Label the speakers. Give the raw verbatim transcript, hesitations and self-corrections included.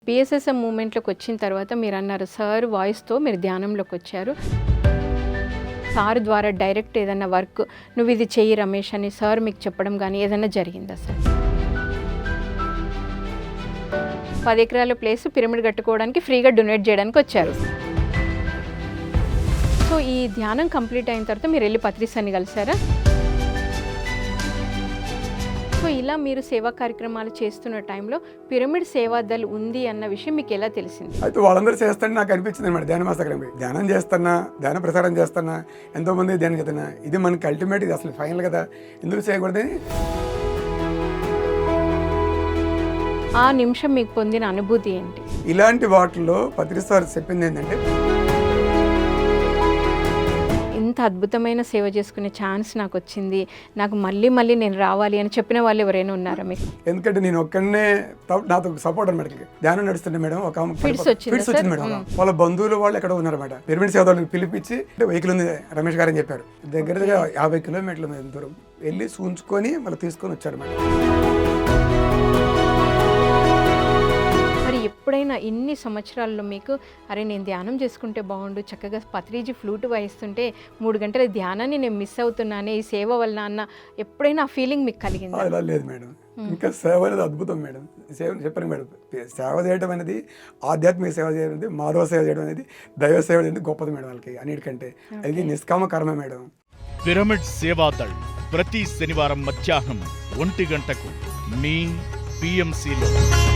Speaker 1: PSSM మూమెంట్లోకి వచ్చిన తర్వాత మీరు అన్నారు సార్ వాయిస్తో మీరు ధ్యానంలోకి వచ్చారు. సార్ ద్వారా డైరెక్ట్ ఏదైనా వర్క్ నువ్వు ఇది చెయ్యి రమేష్ అని సార్ మీకు చెప్పడం కానీ ఏదైనా జరిగిందా సార్? పది ఎకరాల ప్లేస్ పిరమిడ్ కట్టుకోవడానికి ఫ్రీగా డొనేట్ చేయడానికి వచ్చారు. సో ఈ ధ్యానం కంప్లీట్ అయిన తర్వాత మీరు వెళ్ళి పత్రిసాన్ని కలిసారా? సో ఇలా మీరు సేవా కార్యక్రమాలు చేస్తున్న టైంలో పిరమిడ్ సేవాదల్ ఉంది అన్న విషయం మీకు ఎలా తెలిసింది?
Speaker 2: అయితే వాళ్ళందరూ చేస్తారని నాకు అనిపించింది అనమాట. ధ్యాన మాస్టర్ ధ్యానం చేస్తున్నా, ధ్యాన ప్రసారం చేస్తున్నా, ఎంతోమంది ధ్యానం చేస్తున్నా, ఇది మనకి అల్టిమేట్, ఇది అసలు ఫైనల్ కదా, ఎందుకు చేయకూడదని.
Speaker 1: ఆ నిమిషం మీకు పొందిన అనుభూతి ఏంటి?
Speaker 2: ఇలాంటి వాటిల్లో పత్రి సార్ చెప్పింది ఏంటంటే,
Speaker 1: ఇంత అద్భుతమైన సేవ చేసుకునే ఛాన్స్ నాకు వచ్చింది, నాకు మళ్ళీ మళ్ళీ నేను రావాలి అని చెప్పిన వాళ్ళు ఎవరైనా ఉన్నారా మీకు?
Speaker 2: ఎందుకంటే నేను ఒక్కడనే నాతో సపోర్ట్ అనమాట. ధ్యానం నడుస్తుండే మేడం, ఒక
Speaker 1: ఫిట్స్
Speaker 2: ఫిట్స్ వచ్చింది మేడం. వాళ్ళ బంధువులు వాళ్ళు ఎక్కడ ఉన్నారన్నమాట. పిరమిడ్ సేవలను పిలిపించి వెహికల్ ఉంది రమేష్ గారు అని చెప్పారు. దగ్గర దగ్గర యాభై కిలోమీటర్ల దూరం వెళ్ళి చూంచుకొని మళ్ళీ తీసుకొని వచ్చారు మేడం.
Speaker 1: ఎప్పుడైనా ఇన్ని సంవత్సరాల్లో మీకు అరే నేను ధ్యానం చేసుకుంటే బాగుండు, చక్కగా పత్రిజీ ఫ్లూట్ వాయిస్తుంటే మూడు గంటల ధ్యానాన్ని నేను మిస్ అవుతున్నానే ఈ సేవ వల్ల అన్న ఎప్పుడైనా ఆ ఫీలింగ్ మీకు కలిగింది?
Speaker 2: అలా లేదు మేడం, ఇంకా సేవ అనేది అద్భుతం మేడం. సేవ చెప్పాను మేడం, సేవ చేయడం అనేది, ఆధ్యాత్మిక సేవ చేయడం అనేది, మానవ సేవ చేయడం అనేది, దైవ సేవ అనేది గొప్పది మేడం. వాళ్ళకి అన్నిటికంటే అది నిష్కామ కర్మ మేడం.
Speaker 3: పిరమిడ్ సేవాదళ్ ప్రతి శనివారం మధ్యాహ్నం ఒంటి గంటకు మీ పిఎంసిలో.